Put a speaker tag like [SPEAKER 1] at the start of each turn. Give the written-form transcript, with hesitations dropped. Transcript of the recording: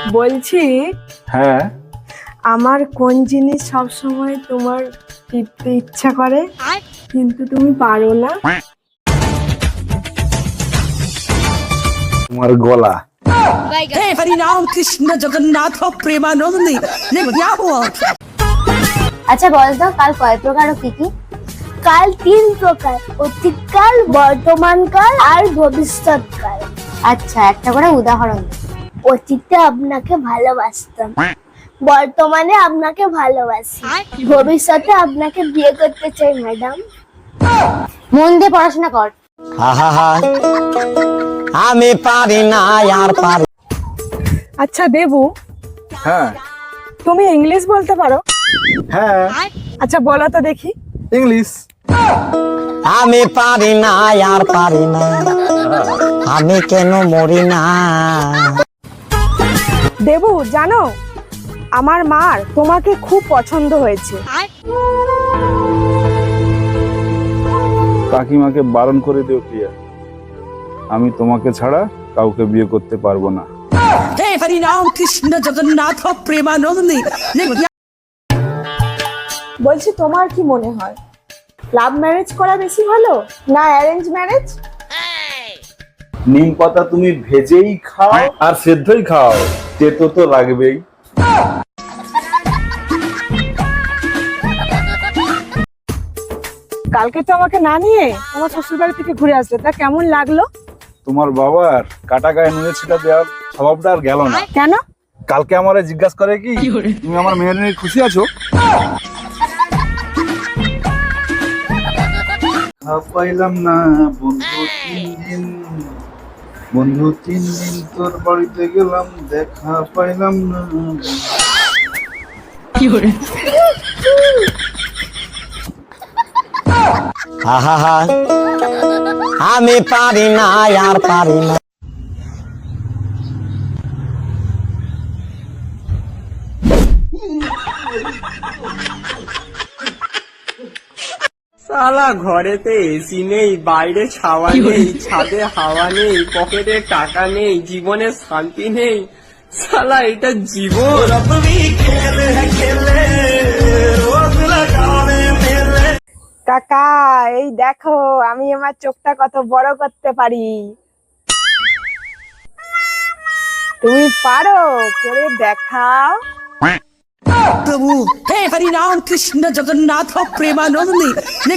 [SPEAKER 1] বলছি
[SPEAKER 2] হ্যাঁ,
[SPEAKER 1] আমার কোন জিনিস সব সময় তোমার টিপতে ইচ্ছা করে কিন্তু তুমি পারো না?
[SPEAKER 2] তোমার গলা।
[SPEAKER 3] हे हरिनाम कृष्ण जगन्नाथ प्रेमानंद ने क्या हुआ।
[SPEAKER 4] আচ্ছা বল তো কাল কয় প্রকার ও কি কি? কাল 3 প্রকার, অতীতকাল, বর্তমানকাল আর ভবিষ্যৎকাল। আচ্ছা একটা করে উদাহরণ দে। অতীতে আপনাকে ভালোবাসতাম, বর্তমানে আপনাকে ভালোবাসি, ভবিষ্যতে আপনাকে বিয়ে করতে চাই ম্যাডাম। মন দিয়ে পড়াশোনা কর।
[SPEAKER 5] আমি পারি না আর পারি।
[SPEAKER 1] আচ্ছা দেবু,
[SPEAKER 2] হ্যাঁ
[SPEAKER 1] তুমি ইংলিশ বলতে পারো?
[SPEAKER 2] হ্যাঁ,
[SPEAKER 1] আচ্ছা বলো তো দেখি।
[SPEAKER 2] ইংলিশ।
[SPEAKER 5] আমি পারি না আর পারি না, আমি কেন মরি না।
[SPEAKER 1] দেবু জানো, আমার মার তোমাকে খুব পছন্দ হয়েছে।
[SPEAKER 2] কাকিমাকে বারণ করে দিও প্রিয়া, আমি তোমাকে ছাড়া কাউকে বিয়ে করতে পারবো না।
[SPEAKER 3] हे हरिनाम कृष्ण जगन्नाथ प्रेमानंद ने क्या।
[SPEAKER 1] বলছি তোমার কি মনে হয়, লাভ ম্যারেজ করা বেশি ভালো না অ্যারেঞ্জ ম্যারেজ?
[SPEAKER 2] নিম পাতা তুমি ভেজেই খাও আর সেদ্ধই খাও, তেতো তো লাগবেই।
[SPEAKER 1] কালকে তো আমাকে না নিয়ে আমার শ্বশুর বাড়ি থেকে ঘুরে আসলে, তা কেমন লাগলো?
[SPEAKER 2] তোমার বাবার কাটা গায়ে নুনে ছিটা দেওয়ার স্বভাবটা আর গেল না।
[SPEAKER 1] কেন?
[SPEAKER 2] কালকে আমারে জিজ্ঞাসা করে কি তুমি আমার মেয়ের নিয়ে খুশি আছো? পাইলাম না বন্ধু 3 দিন, বন্ধু 3 দিন তোর বাড়িতে গেলাম, দেখা পাইলাম না।
[SPEAKER 5] আমি পারি না আর পারি না।
[SPEAKER 6] সালা ঘরেতে এসি নেই, বাইরে ছাওয়া নেই, ছাদে হাওয়া নেই, পকেটে টাকা নেই, জীবনে শান্তি নেই। সালা এটা জীবন।
[SPEAKER 1] কাকা এই দেখো আমি আমার চোখটা কত বড় করতে পারি, তুমি পারো? করে দেখাও।
[SPEAKER 3] प्रभु हे हरिनाम कृष्ण जगन्नाथ प्रेमानंद ने